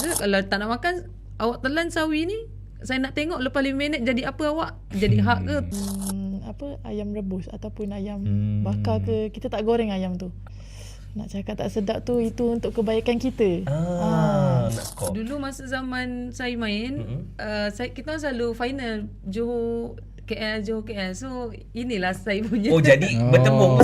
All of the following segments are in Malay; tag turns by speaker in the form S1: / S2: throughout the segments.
S1: Maksudnya kalau tak nak makan, awak telan sawi ni, saya nak tengok lepas 5 minit jadi apa awak? Jadi hak ke?
S2: Ayam rebus ataupun ayam bakar ke, kita tak goreng ayam tu. Nak cakap tak sedap tu, itu untuk kebaikan kita.
S1: Dulu masa zaman saya main, kita selalu final Johor KL. So inilah saya punya.
S3: Jadi bertemu.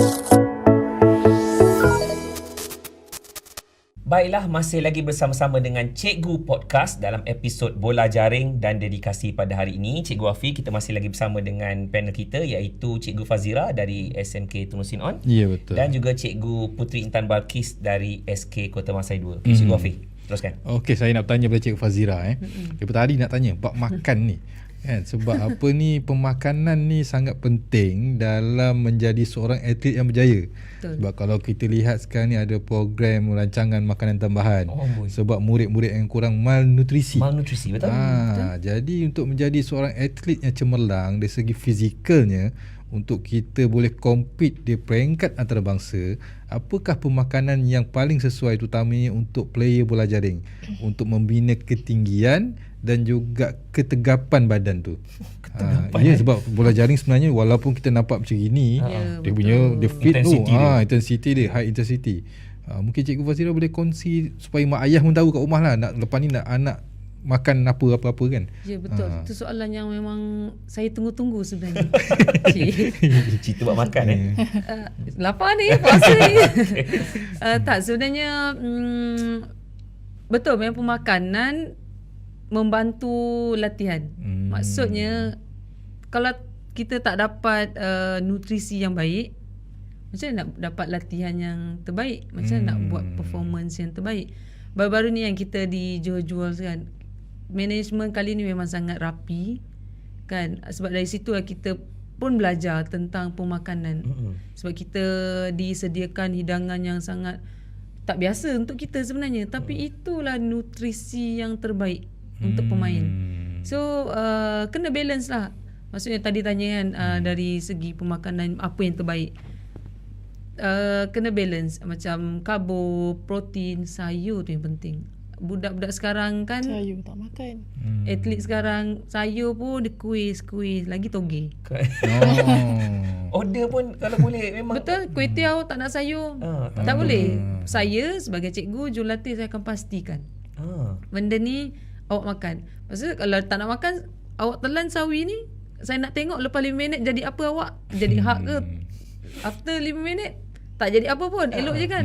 S3: Baiklah, masih lagi bersama-sama dengan Cikgu Podcast dalam episod Bola Jaring dan dedikasi pada hari ini. Cikgu Afi, kita masih lagi bersama dengan panel kita iaitu Cikgu Fazira dari SMK Tun Musin On.
S4: Ya, betul.
S3: Dan juga Cikgu Puteri Intan Balkis dari SK Kota Masai 2. Cikgu Afi, teruskan.
S4: Okey, saya nak bertanya pada Cikgu Fazira. Daripada tadi nak tanya bab makan ni. Kan, sebab apa ni, pemakanan ni sangat penting dalam menjadi seorang atlet yang berjaya. Betul. Sebab kalau kita lihat sekarang ni ada program rancangan makanan tambahan. Sebab murid-murid yang kurang malnutrisi.
S3: Betul.
S4: Jadi untuk menjadi seorang atlet yang cemerlang dari segi fizikalnya, untuk kita boleh compete di peringkat antarabangsa, apakah pemakanan yang paling sesuai, terutamanya untuk player bola jaring, untuk membina ketinggian dan juga ketegapan badan tu. Ya, sebab bola jaring sebenarnya walaupun kita nampak macam gini, dia punya dia fit tu, intensity dia high intensity. Mungkin Cikgu Fazira boleh kongsi supaya mak ayah pun tahu kat rumah lah, nak lepas ni nak anak makan apa-apa kan.
S1: Ya, betul. Itu soalan yang memang saya tunggu-tunggu sebenarnya.
S3: Cerita buat makan
S1: lapar ni, puasa ni. Tak, sebenarnya betul, memang pemakanan membantu latihan. Maksudnya kalau kita tak dapat nutrisi yang baik, macam mana nak dapat latihan yang terbaik? Macam mana nak buat performance yang terbaik? Baru-baru ni yang kita di jual kan, management kali ni memang sangat rapi kan, sebab dari situ kita pun belajar tentang pemakanan. Sebab kita disediakan hidangan yang sangat tak biasa untuk kita sebenarnya, tapi itulah nutrisi yang terbaik untuk pemain. So kena balance lah. Maksudnya tadi tanya kan, dari segi pemakanan apa yang terbaik, kena balance. Macam karbo, protein, sayur tu yang penting. Budak-budak sekarang kan
S2: sayur tak makan.
S1: Atlet sekarang sayur pun dia kuis lagi toge.
S3: Order pun kalau boleh memang.
S1: Betul, kuih tiaw tak nak sayur. Tak boleh. Saya sebagai cikgu jurulatih, saya akan pastikan benda ni awak makan. Maksudnya kalau tak nak makan, awak telan sawi ni, saya nak tengok lepas 5 minit jadi apa awak? Jadi hak ke? After 5 minit tak jadi apa pun, elok je kan?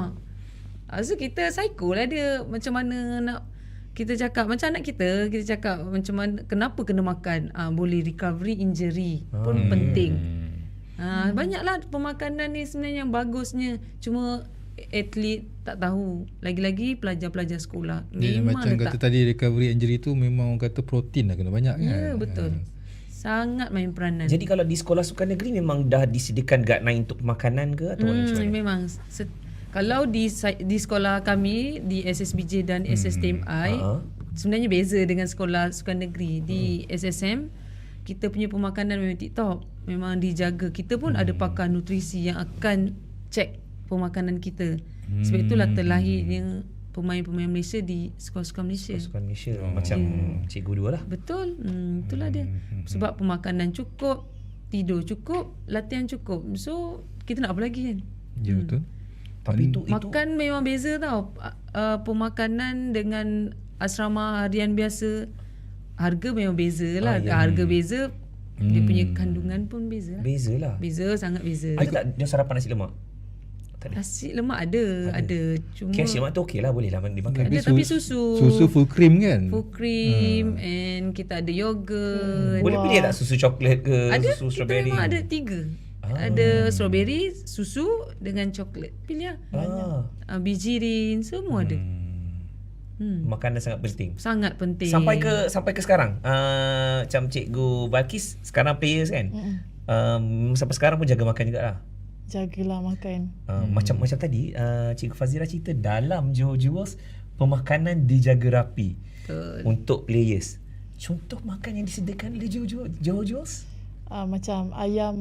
S1: So kita psycho lah dia, macam mana nak kita cakap macam anak kita cakap macam mana, kenapa kena makan, boleh recovery injury pun penting. Banyaklah pemakanan ni sebenarnya yang bagusnya, cuma atlet tak tahu, lagi-lagi pelajar-pelajar sekolah.
S4: Macam kata tadi, recovery injury tu memang orang kata protein lah kena banyak kan.
S1: Ya, betul. Sangat main peranan.
S3: Jadi kalau di sekolah sukan negeri memang dah disediakan guideline untuk makanan ke atau macam mana?
S1: Memang kalau di sekolah kami di SSBJ dan SSTMI, sebenarnya beza dengan sekolah sukan negeri. Di SSM kita punya pemakanan memang tip-top, memang dijaga. Kita pun ada pakar nutrisi yang akan cek pemakanan kita. Sebab itulah terlahirnya pemain-pemain Malaysia di sekolah-sekolah Malaysia.
S3: Sekolah Malaysia macam cikgu dua lah.
S1: Betul. Itulah dia. Sebab pemakanan cukup, tidur cukup, latihan cukup. So kita nak apa lagi kan?
S4: Ya, betul.
S3: Tapi itu
S1: makan memang beza tau. Pemakanan dengan asrama harian biasa, harga memang beza lah. Harga beza, dia punya kandungan pun beza lah. Beza, sangat beza.
S3: Ada tak dia sarapan nasi lemak?
S1: Nasi lemak ada. Cuma
S3: nasi lemak tu okey lah, boleh lah dimakan.
S1: Ada, tapi susu
S4: full cream kan?
S1: Full cream. And kita ada yogurt.
S3: Boleh pilih tak susu coklat ke,
S1: ada,
S3: susu strawberry?
S1: Kita memang ada 3. Ada strawberry, susu dengan coklat. Pilih lah. Bijirin, semua ada.
S3: Makanan sangat penting.
S1: Sangat penting.
S3: Sampai ke sekarang. Macam Cikgu Balkis sekarang players kan. Sampai sekarang pun jaga makan jugalah.
S2: Jagalah makan.
S3: Macam tadi Cikgu Fazira cerita dalam Johor Jewels, pemakanan dijaga rapi untuk players. Contoh makan yang disediakan oleh Johor Jewels?
S2: Macam ayam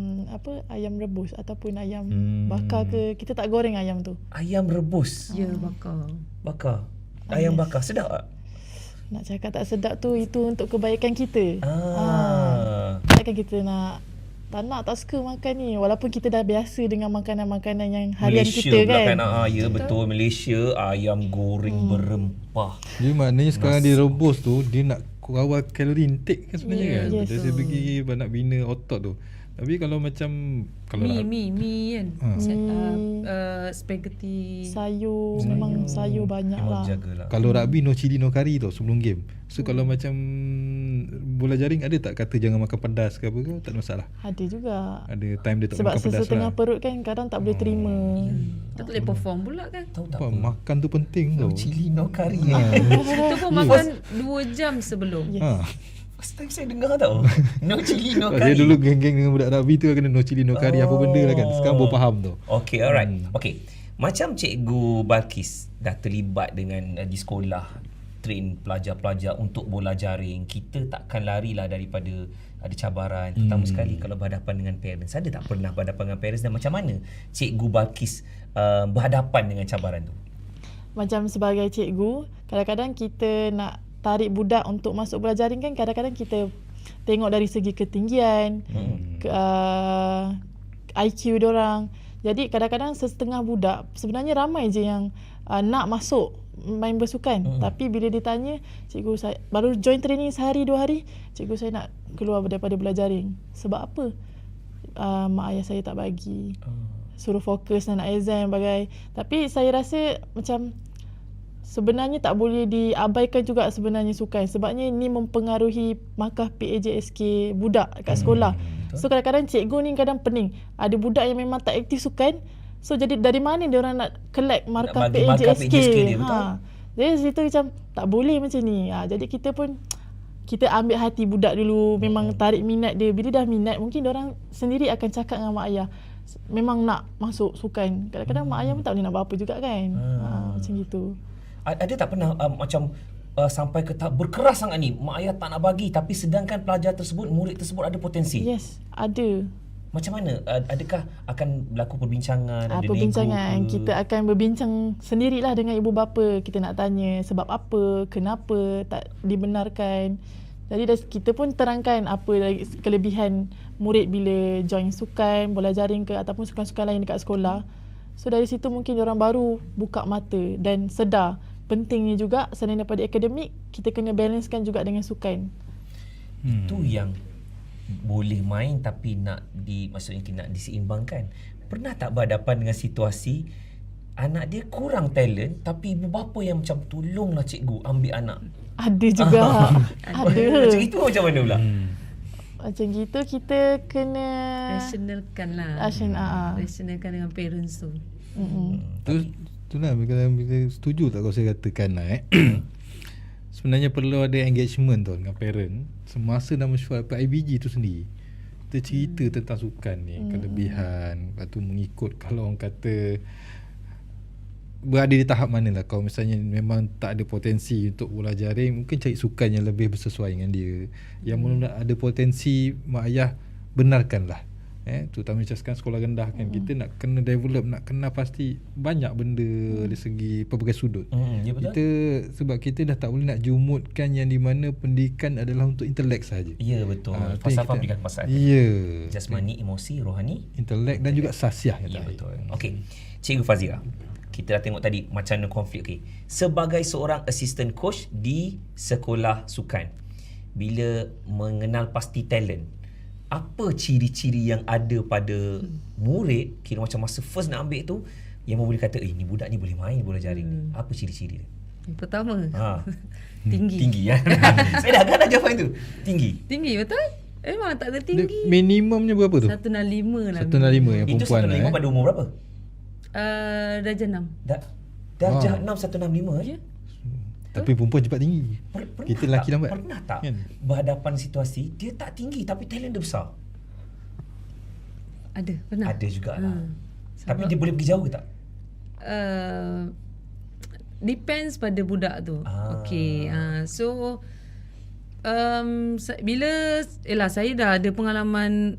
S2: rebus ataupun ayam bakar ke, kita tak goreng ayam tu.
S3: Ayam rebus.
S1: Ya, bakar.
S3: ayam bakar sedap tak?
S2: Nak cakap tak sedap tu, itu untuk kebaikan kita. Takkan kita tak nak, tak suka makan ni. Walaupun kita dah biasa dengan makanan-makanan yang harian
S3: Malaysia
S2: kita
S3: pula
S2: kan.
S3: Ya betul, Malaysia ayam goreng berempah.
S4: Jadi maknanya sekarang dia rebus tu, dia nak kawal kalori intake kan sebenarnya kan.
S2: yes.
S4: Dari segi nak bina otot tu. Tapi kalau macam
S1: Mi kan. Spaghetti.
S2: Sayur, memang sayur banyak
S3: Memang
S2: lah.
S3: jagalah.
S4: kalau rugby no chili no curry tu sebelum game. So kalau macam bola jaring ada tak kata jangan makan pedas ke apa ke? Tak ada masalah.
S2: Ada juga.
S4: Ada time dia tak
S2: Sebab
S4: makan pedas
S2: sesetengah
S4: lah.
S2: perut kan kadang tak boleh terima.
S1: Kita tak boleh perform pula kan.
S3: Tahu tak
S4: Apa,
S3: apa?
S4: makan tu penting
S3: No
S4: tau.
S3: chili no curry.
S1: Kita pun makan 2 jam sebelum.
S2: Yes.
S4: Ha.
S3: First time saya dengar tau. No chili no
S4: Dia
S3: curry.
S4: dulu geng-geng dengan budak rugby tu kena no chili no curry apa benda lah kan. Sekarang baru faham tu.
S3: Okay, alright. Okay. Macam Cikgu Balkis dah terlibat dengan di sekolah train pelajar-pelajar untuk bola jaring, kita takkan larilah daripada ada cabaran, terutama sekali kalau berhadapan dengan parents. Ada tak pernah berhadapan dengan parents dan macam mana Cikgu Balkis berhadapan dengan cabaran tu?
S2: Macam sebagai cikgu, kadang-kadang kita nak tarik budak untuk masuk bola jaring kan, kadang-kadang kita tengok dari segi ketinggian, IQ diorang. Jadi kadang-kadang setengah budak sebenarnya ramai je yang nak masuk main bersukan, tapi bila ditanya, cikgu saya baru join training sehari 2 hari, cikgu saya nak keluar daripada bola jaring. Sebab apa? Mak ayah saya tak bagi. Suruh fokus nak exam bagai. Tapi saya rasa macam sebenarnya tak boleh diabaikan juga sebenarnya sukan, sebabnya ni mempengaruhi markah PAJSK budak kat sekolah. So kadang-kadang cikgu ni kadang pening. Ada budak yang memang tak aktif sukan, so jadi dari mana dia orang nak collect markah
S3: bagi markah
S2: PAJSK?
S3: PAJSK dia, betul.
S2: Jadi situ macam tak boleh macam ni. Jadi kita pun kita ambil hati budak dulu, memang tarik minat dia. Bila dah minat, mungkin dia orang sendiri akan cakap dengan mak ayah memang nak masuk sukan. Kadang-kadang mak ayah pun tak boleh nak buat apa juga kan. Macam gitu.
S3: Ada tak pernah macam sampai ke tahap berkeras sangat ni, mak ayah tak nak bagi, tapi sedangkan pelajar tersebut, murid tersebut ada potensi?
S2: Yes, ada.
S3: Macam mana? Adakah akan berlaku perbincangan? Ada
S2: Perbincangan.
S3: nego ke?
S2: Kita akan berbincang sendirilah dengan ibu bapa. Kita nak tanya sebab apa, kenapa tak dibenarkan. Jadi kita pun terangkan apa kelebihan murid bila join sukan, bola jaring ke ataupun sukan-sukan lain dekat sekolah. So dari situ mungkin orang baru buka mata dan sedar pentingnya juga selain daripada akademik, kita kena balancekan juga dengan sukan.
S3: Itu yang boleh main tapi maksudnya nak diseimbangkan. Pernah tak berhadapan dengan situasi anak dia kurang talent tapi ibu bapa yang macam tolonglah cikgu ambil anak?
S2: Ada juga. Ada.
S3: Macam itu macam mana pula?
S2: Macam gitu kita kena
S1: Rationalkan lah. Rationalkan dengan parents tu.
S4: Tu lah bila setuju tak kalau saya katakan lah sebenarnya perlu ada engagement tu dengan parent semasa dalam mesyuarat IBG tu sendiri. Kita cerita tentang sukan ni, kelebihan, lepas tu mengikut kalau orang kata berada di tahap mana lah. Kalau misalnya memang tak ada potensi untuk bola jaring, mungkin cari sukan yang lebih bersesuai dengan dia. Yang mana ada potensi, mak ayah benarkanlah. Terutama macam sekarang sekolah rendah kan, kita nak kena develop, nak kenal pasti banyak benda dari segi pelbagai sudut.
S3: Ya betul.
S4: Kita sebab kita dah tak boleh nak jumutkan yang di mana pendidikan adalah untuk intelek sahaja.
S3: Ya betul.
S4: tu yang
S3: Falsafah
S4: kita-
S3: berikan pasal.
S4: Ya.
S3: Jasmani, emosi, rohani.
S4: Intelek dan juga sasiah
S3: Ya
S4: yang
S3: betul. Okey. Cikgu Fazira, kita dah tengok tadi macam mana konflik. Okay. Sebagai seorang assistant coach di sekolah sukan, bila mengenal pasti talent, apa ciri-ciri yang ada pada murid, kira macam masa first nak ambil tu, yang boleh kata, ni budak ni boleh main bola jaring ni. Apa ciri-ciri dia?
S1: Yang pertama,
S3: Tinggi
S1: tinggi.
S3: ya. Saya dah agak nak jawapan tu. Tinggi.
S1: Tinggi betul? Memang tak ada
S4: Dia
S1: tinggi.
S4: minimumnya berapa tu?
S1: 165 lah.
S4: 165 yang
S3: Itu
S4: perempuan
S3: 165
S4: lah.
S3: pada umur berapa?
S1: Darjah 6.
S3: Darjah 6 165
S1: Ya.
S4: Tapi perempuan cepat tinggi. Kita lelaki lambat.
S3: Pernah tak
S4: Kan?
S3: berhadapan situasi dia tak tinggi tapi talent dia besar?
S1: Ada, pernah.
S3: Ada jugalah. Tapi dia boleh pergi jauh ke tak?
S1: Depends pada budak tu. Okay. So bila saya dah ada pengalaman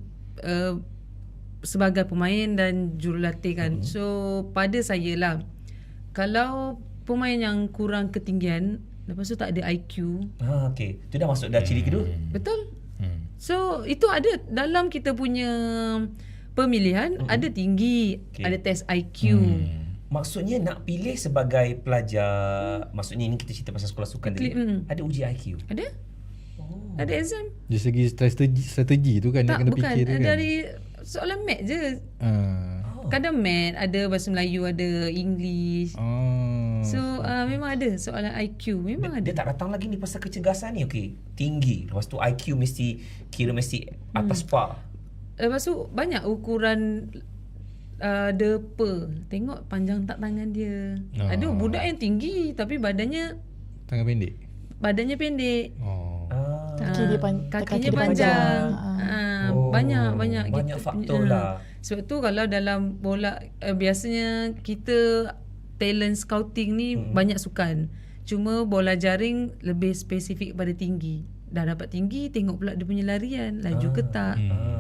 S1: sebagai pemain dan jurulatih kan. So pada saya lah, kalau pemain yang kurang ketinggian, lepas tu tak ada IQ.
S3: Okey. Tu dah masuk dah ciri kedua.
S1: Betul? So itu ada dalam kita punya pemilihan, ada tinggi, ada test IQ.
S3: Maksudnya nak pilih sebagai pelajar, maksudnya ini kita cerita pasal sekolah sukan tadi. Ada uji IQ.
S1: Ada? Ada exam.
S4: Dari segi strategi tu kan,
S1: Tak,
S4: dia kena
S1: bukan.
S4: fikir tu kan.
S1: Dari soalan mat je. Kadang mat, ada bahasa Melayu, ada English. So memang ada soalan IQ. Memang ada.
S3: Dia tak datang lagi ni pasal kecergasan ni. Okey, tinggi. Lepas tu IQ mesti atas par.
S1: Lepas tu banyak ukuran depa. Tengok panjang tak tangan dia. Ada budak yang tinggi tapi badannya
S4: Tangan pendek.
S1: kakinya panjang. Banyak
S3: faktor lah.
S1: Sebab tu kalau dalam bola biasanya kita talent scouting ni banyak sukan. Cuma bola jaring lebih spesifik pada tinggi. Dah dapat tinggi, tengok pula dia punya larian, laju ke tak.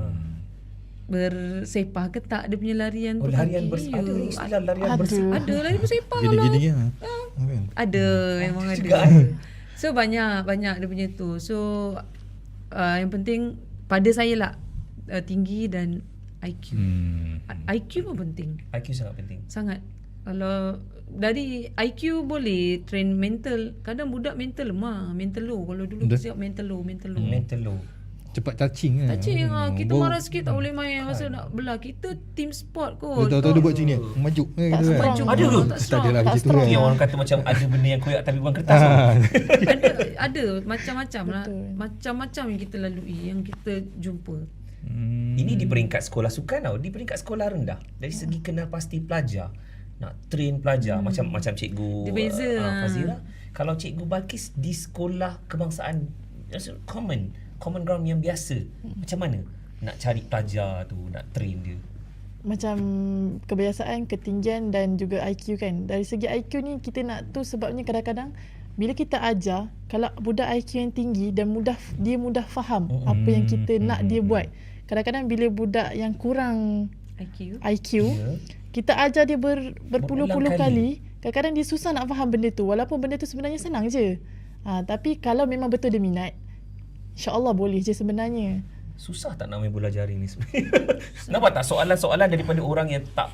S1: Bersepah ke tak dia punya larian tu.
S3: Larian ada istilah larian bersepah.
S1: Ada larian bersepah lah.
S4: Gini-gini lah.
S1: Ada, memang ada. So banyak dia punya tu. So yang penting pada saya lah tinggi dan IQ. IQ pun penting.
S3: IQ sangat penting.
S1: Sangat. Kalau dari IQ boleh train mental. Kadang budak mental lemah, mental low. Kalau dulu siap mental low.
S3: Mental low.
S4: Cepat touching kan.
S1: Touching kita marah sikit tak boleh main. Masa nak belah kita team sport kot.
S4: Tahu-tahu dia buat macam ni, maju gitu kan.
S3: Ada ke?
S4: Tak adalah macam tu kan.
S3: Yang orang kata macam ada benda yang koyak tapi bukan kertas.
S1: ada macam-macam lah. Macam-macam yang kita lalui, yang kita jumpa.
S3: Ini di peringkat sekolah sukan tau. Di peringkat sekolah rendah, dari segi kenal pasti pelajar, nak train pelajar macam cikgu
S1: Dia beza
S3: Fazira. Kalau cikgu Balkis di sekolah kebangsaan, common ground yang biasa, macam mana nak cari pelajar tu, nak train dia?
S2: Macam kebiasaan, ketinggian dan juga IQ kan. Dari segi IQ ni kita nak tu sebabnya kadang-kadang bila kita ajar, kalau budak IQ yang tinggi dan dia mudah faham apa yang kita nak dia buat. Kadang-kadang bila budak yang kurang IQ kita ajar dia berpuluh-puluh kali, kadang-kadang dia susah nak faham benda tu, walaupun benda tu sebenarnya senang je. Tapi kalau memang betul dia minat, InsyaAllah boleh je sebenarnya.
S3: Susah tak nak main bola jaring ni sebenarnya? Nampak tak soalan-soalan daripada orang yang tak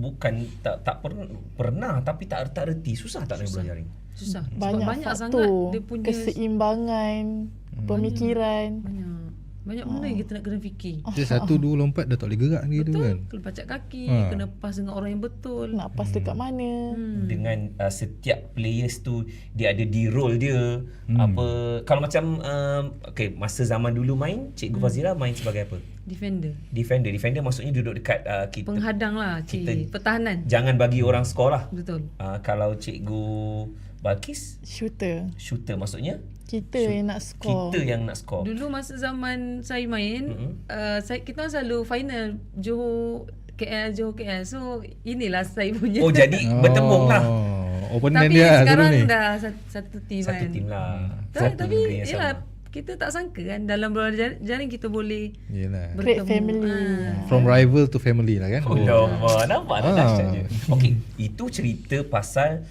S3: pernah tapi tak reti. Susah tak nak main bola jaring?
S1: Susah.
S2: Banyak
S1: sangat
S2: faktor,
S1: dia punya
S2: keseimbangan, pemikiran.
S1: Banyak benda yang kita nak kena fikir.
S4: Dia 1, 2 lompat dah tak boleh gerak gitu kan.
S1: Kena pacak kaki, kena pas dengan orang yang betul.
S2: Nak pas dekat mana.
S3: Dengan setiap players tu dia ada di role dia. Apa kalau macam masa zaman dulu main, Cikgu Fazira main sebagai apa? Defender maksudnya duduk dekat kita.
S1: Penghadang lah, pertahanan.
S3: Jangan bagi orang skor lah.
S1: Betul.
S3: Kalau Cikgu Balkis
S2: Shooter
S3: maksudnya
S2: kita yang nak skor.
S1: Dulu masa zaman saya main, kita selalu final Johor KL. So inilah saya punya.
S3: Oh jadi bertembung lah.
S4: Opponent
S1: tapi
S4: dia
S1: sekarang
S4: ni.
S1: dah satu tim kan.
S3: Satu tim lah.
S1: Tapi yalah, kita tak sangka kan dalam bola jaring kita boleh
S2: create family.
S4: From rival to family lah kan.
S3: Nampak tak dahsyat je. Okey, itu cerita pasal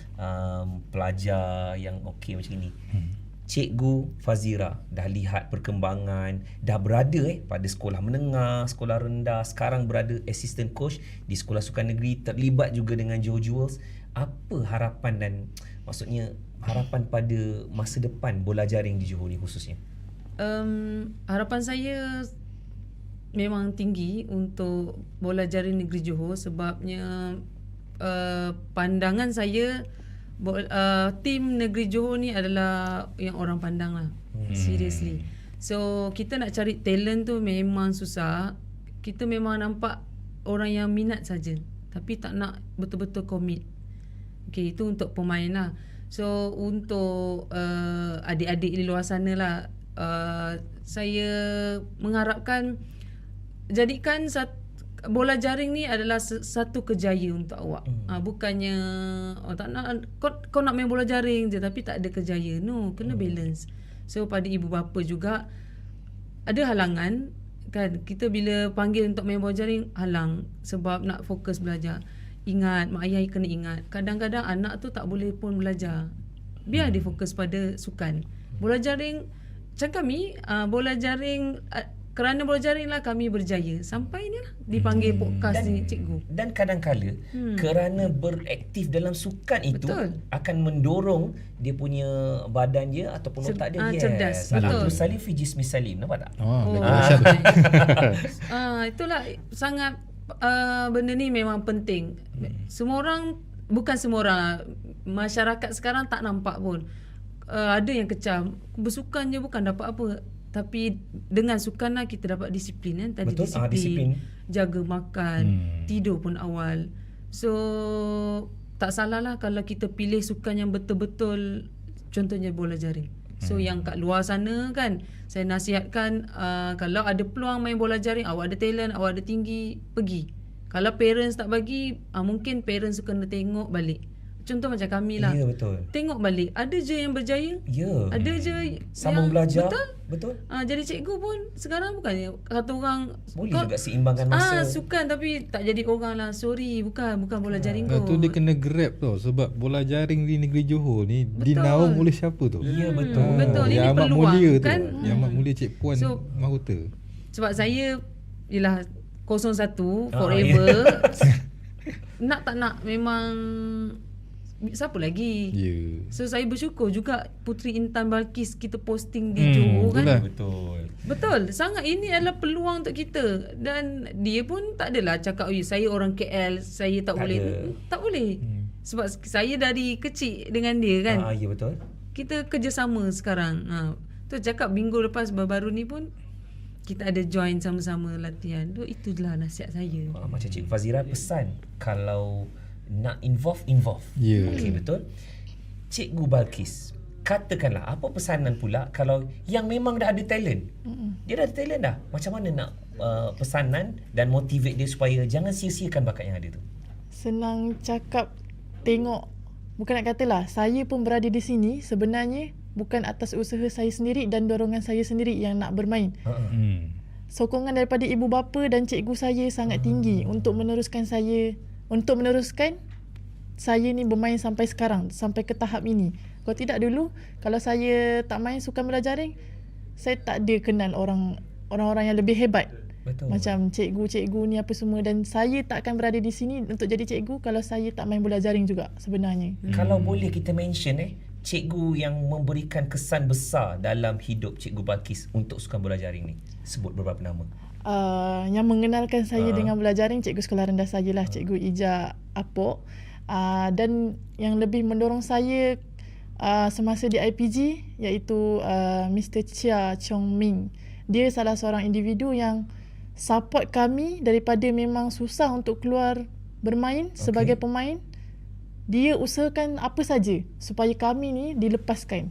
S3: pelajar yang okey macam ni. Cikgu Fazira dah lihat perkembangan, dah berada pada sekolah menengah, sekolah rendah, sekarang berada assistant coach di sekolah sukan negeri, terlibat juga dengan Johor Jewels. Apa harapan dan maksudnya harapan pada masa depan bola jaring di Johor ni khususnya?
S1: Harapan saya memang tinggi untuk bola jaring negeri Johor sebabnya pandangan saya tim negeri Johor ni adalah yang orang pandang lah. Seriously. So kita nak cari talent tu memang susah. Kita memang nampak orang yang minat saja, tapi tak nak betul-betul commit. Okay, itu untuk pemain lah. So untuk adik-adik di luar sana lah, saya mengharapkan jadikan bola jaring ni adalah satu kejayaan untuk awak. Bukannya tak nak kau nak main bola jaring je tapi tak ada kejayaan. No, kena balance. So pada ibu bapa juga ada halangan kan. Kita bila panggil untuk main bola jaring halang sebab nak fokus belajar. ingat, mak ayah kena ingat. Kadang-kadang anak tu tak boleh pun belajar. Biar dia fokus pada sukan. Bola jaring, macam kami, bola jaring, kerana bola jaring lah kami berjaya. Sampai ni lah dipanggil podcast ni cikgu.
S3: Dan kadang-kala kerana beraktif dalam sukan itu
S1: Betul.
S3: akan mendorong dia punya badan dia ataupun otak dia
S1: cerdas.
S3: Betul.
S1: Betul.
S3: Salim fi jismi salim, nampak tak?
S1: Itulah sangat benda ni memang penting. Semua orang, bukan semua orang, masyarakat sekarang tak nampak pun. Ada yang kecam, bersukan je bukan dapat apa. Tapi dengan sukan lah kita dapat disiplin kan. Tadi
S3: Betul,
S1: disiplin,
S3: disiplin.
S1: jaga makan, tidur pun awal. So tak salah lah kalau kita pilih sukan yang betul-betul, contohnya bola jaring. So yang kat luar sana kan, saya nasihatkan kalau ada peluang main bola jaring, awak ada talent, awak ada tinggi, pergi. Kalau parents tak bagi, mungkin parents kena tengok balik. Contoh macam kami lah.
S3: Ya, betul.
S1: Tengok balik, ada je yang berjaya.
S3: Ya.
S1: Ada je
S3: Sambung
S1: yang
S3: belajar.
S1: Betul.
S3: Betul.
S1: Jadi cikgu pun sekarang bukannya kata orang
S3: Boleh juga seimbangkan masa.
S1: sukan tapi tak jadi orang lah. Sorry, bukan bola jaring
S4: Lepas tu
S1: kot.
S4: dia kena grab tau, sebab bola jaring di negeri Johor ni dinaung oleh siapa tu?
S3: Ya, betul.
S1: Betul, ini
S4: Yang amat
S1: peluang
S4: mulia
S1: kan.
S4: tu. Yang amat mulia Cik Puan
S1: So,
S4: Mahuta.
S1: Sebab saya ialah 01 forever. Nak tak nak memang siapa lagi?
S4: Ya.
S1: So saya bersyukur juga Puteri Intan Balkis kita posting di
S4: betul
S1: Johor kan.
S4: lah.
S3: Betul.
S1: Betul, sangat ini adalah peluang untuk kita. Dan dia pun tak adalah cakap saya orang KL, saya tak boleh. Tak boleh. Sebab saya dari kecil dengan dia kan.
S3: Ya, betul.
S1: Kita kerjasama sekarang. Tu cakap minggu lepas baru-baru ni pun kita ada join sama-sama latihan. Itulah nasihat saya.
S3: Macam Cik Fazira pesan, kalau nak involve.
S4: Ya.
S3: Okey, betul. Cikgu Balkis, katakanlah apa pesanan pula kalau yang memang dah ada talent. Dia dah ada talent dah. Macam mana nak pesanan dan motivate dia supaya jangan sia-siakan bakat yang ada tu?
S2: Senang cakap, tengok. Bukan nak katalah, saya pun berada di sini sebenarnya bukan atas usaha saya sendiri dan dorongan saya sendiri yang nak bermain. Sokongan daripada ibu bapa dan cikgu saya sangat tinggi untuk meneruskan saya ni bermain sampai sekarang, sampai ke tahap ini. Kalau tidak dulu, kalau saya tak main sukan bola jaring, saya tak ada kenal orang-orang yang lebih hebat.
S3: Betul.
S2: Macam cikgu-cikgu ni apa semua, dan saya tak akan berada di sini untuk jadi cikgu kalau saya tak main bola jaring juga sebenarnya.
S3: Kalau boleh kita mention cikgu yang memberikan kesan besar dalam hidup Cikgu Balkis untuk sukan bola jaring ni, sebut beberapa nama.
S2: Yang mengenalkan saya dengan bola jaring, cikgu sekolah rendah saya lah, Cikgu Ija Apok. Dan yang lebih mendorong saya semasa di IPG iaitu Mr. Chia Chong Ming. Dia salah seorang individu yang support kami daripada memang susah untuk keluar bermain sebagai pemain. Dia usahakan apa saja supaya kami ni dilepaskan.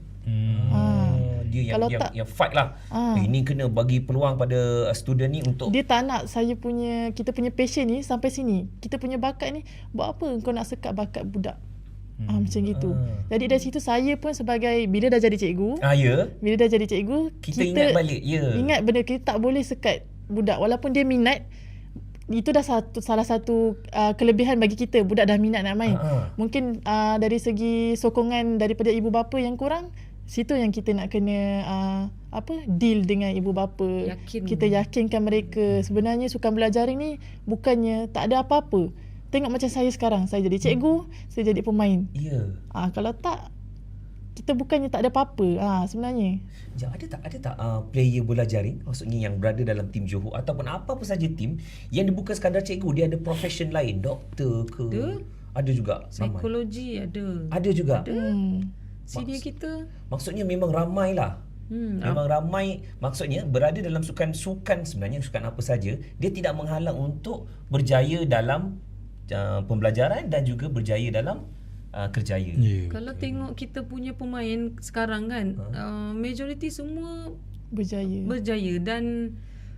S3: Dia
S2: Kalau
S3: yang fight lah. Ini kena bagi peluang pada student ni untuk
S2: dia tak nak kita punya passion ni sampai sini. Kita punya bakat ni, buat apa kau nak sekat bakat budak? Macam gitu. Jadi dari situ saya pun sebagai, bila dah jadi cikgu, bila dah jadi cikgu,
S3: kita ingat balik.
S2: Ingat benda kita tak boleh sekat budak walaupun dia minat. Itu dah salah satu kelebihan bagi kita. Budak dah minat nak main. Mungkin dari segi sokongan daripada ibu bapa yang kurang, situ yang kita nak kena deal dengan ibu bapa. Kita yakinkan mereka sebenarnya sukan bola jaring ni bukannya tak ada apa-apa. Tengok macam saya sekarang, saya jadi cikgu, saya jadi pemain. Kalau tak, kita bukannya tak ada apa-apa sebenarnya.
S3: Ada tak player bola jaring, maksudnya yang berada dalam tim Johor ataupun apa-apa saja tim yang dia bukan sekadar cikgu, dia ada profession lain, doktor ke? Ada juga.
S1: Psikologi
S3: ada juga.
S1: Senior kita.
S3: Maksudnya memang ramai lah. Memang ramai, maksudnya berada dalam sukan sebenarnya sukan apa saja, dia tidak menghalang untuk berjaya dalam pembelajaran dan juga berjaya dalam kerjaya.
S1: Kalau tengok kita punya pemain sekarang kan, majoriti semua berjaya dan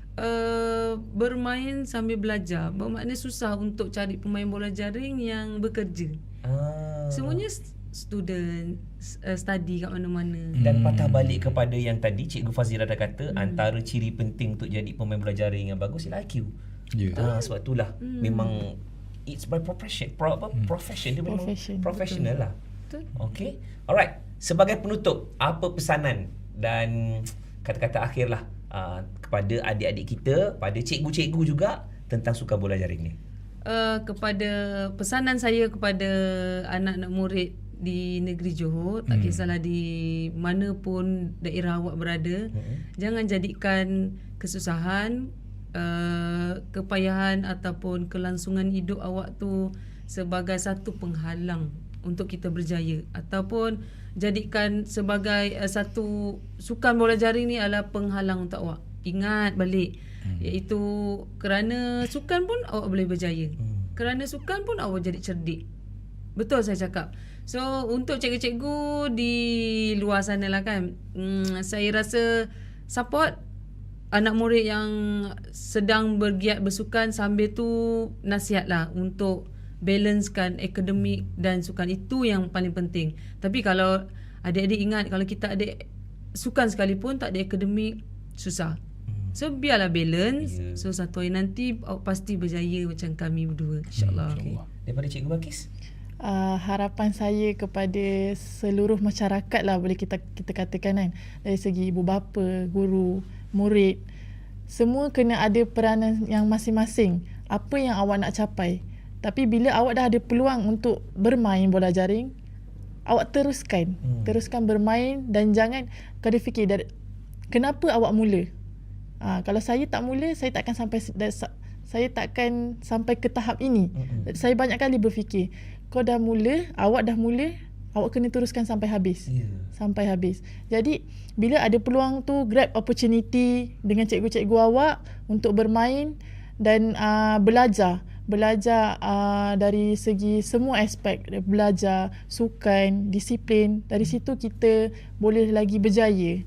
S1: bermain sambil belajar. Bermakna susah untuk cari pemain bola jaring yang bekerja. Semuanya student, study kat mana-mana.
S3: Dan patah balik kepada yang tadi Cikgu Fazira dah kata, antara ciri penting untuk jadi pemain bola jaring yang bagus ialah IQ. Sebab itulah memang it's by profession. Profession dia memang
S2: Profession.
S3: professional lah.
S1: Betul.
S3: Okay. Alright. Sebagai penutup, apa pesanan dan kata-kata akhir lah kepada adik-adik kita, pada cikgu-cikgu juga tentang sukan bola jaring ni?
S1: Kepada pesanan saya kepada anak-anak murid di negeri Johor, tak kisahlah di mana pun daerah awak berada, jangan jadikan kesusahan, kepayahan ataupun kelangsungan hidup awak tu sebagai satu penghalang untuk kita berjaya, ataupun jadikan sebagai satu sukan bola jaring ni adalah penghalang untuk awak. Ingat balik, iaitu kerana sukan pun awak boleh berjaya, kerana sukan pun awak jadi cerdik. Betul saya cakap. So untuk cikgu-cikgu di luar sana lah kan, saya rasa support anak murid yang sedang bergiat bersukan, sambil tu nasihat lah untuk balancekan akademik dan sukan. Itu yang paling penting. Tapi kalau adik-adik ingat, kalau kita ada sukan sekalipun tak ada akademik, susah. So biarlah balance. So satu hari nanti pasti berjaya macam kami berdua, insyaAllah.
S3: Okay. Daripada Cikgu Balkis?
S2: Harapan saya kepada seluruh masyarakat lah, boleh kita katakan kan, dari segi ibu bapa, guru, murid, semua kena ada peranan yang masing-masing. Apa yang awak nak capai, tapi bila awak dah ada peluang untuk bermain bola jaring, awak teruskan bermain. Dan jangan kena fikir kenapa awak mula. Kalau saya tak mula, saya takkan sampai ke tahap ini. Saya banyak kali berfikir, kau dah mula, awak kena teruskan sampai habis. Sampai habis. Jadi bila ada peluang tu, grab opportunity dengan cikgu-cikgu awak untuk bermain dan belajar dari segi semua aspek, belajar, sukan, disiplin. Dari situ kita boleh lagi berjaya.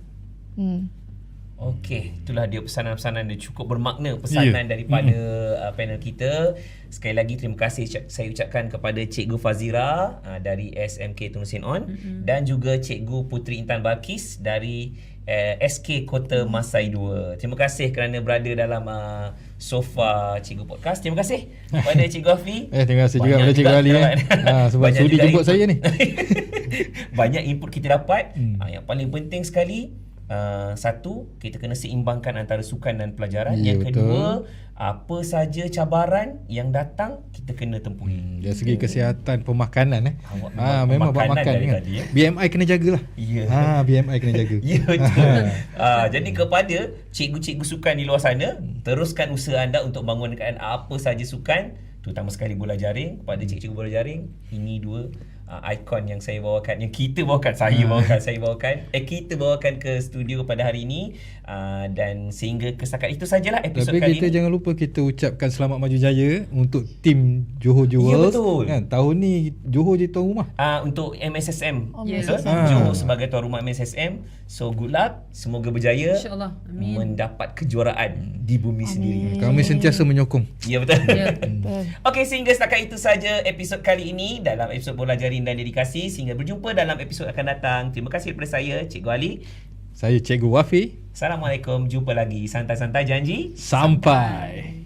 S3: Okey, itulah dia pesanan-pesanan dia, cukup bermakna pesanan daripada panel kita. Sekali lagi terima kasih saya ucapkan kepada Cikgu Fazira dari SMK Tunusin On, dan juga Cikgu Puteri Intan Balkis dari SK Kota Masai 2. Terima kasih kerana berada dalam sofa Cikgu Podcast. Terima kasih kepada Cikgu Afi.
S4: Terima kasih juga kepada Cikgu Ali sebab sudi jemput saya ni.
S3: Banyak input kita dapat. Yang paling penting sekali, satu, kita kena seimbangkan antara sukan dan pelajaran. Yang kedua, apa saja cabaran yang datang, kita kena tempuhi.
S4: Dari segi kesihatan pemakanan memang buat makan kan.
S3: Tadi,
S4: BMI kena jagalah. BMI kena jaga.
S3: Ya, betul. Jadi kepada cikgu-cikgu sukan di luar sana, teruskan usaha anda untuk bangunkan apa saja sukan, terutama sekali bola jaring. Kepada cikgu-cikgu bola jaring, ini dua ikon yang saya bawakan, yang kita bawakan, kita bawakan ke studio pada hari ini. Dan sehingga kesetakat itu sajalah episod
S4: Tapi
S3: kali ini.
S4: kita jangan lupa kita ucapkan selamat maju jaya untuk tim Johor Jewels.
S3: Ya, betul.
S4: Kan, tahun ni Johor jadi tuan rumah.
S3: Untuk MSSM.
S1: Yes.
S3: Johor sebagai tuan rumah MSSM. So good luck, semoga berjaya,
S1: InsyaAllah. Amin.
S3: mendapat kejuaraan di bumi sendiri.
S4: Kami sentiasa menyokong.
S3: Ya, betul.
S1: Ya.
S3: Okey, sehingga setakat itu saja episod kali ini dalam episod Bola Jaring dan Dedikasi. Sehingga berjumpa dalam episod akan datang. Terima kasih kepada saya, Cikgu Ali.
S4: Saya Cikgu Wafi.
S3: Assalamualaikum. Jumpa lagi. Santai-santai janji.
S4: Sampai.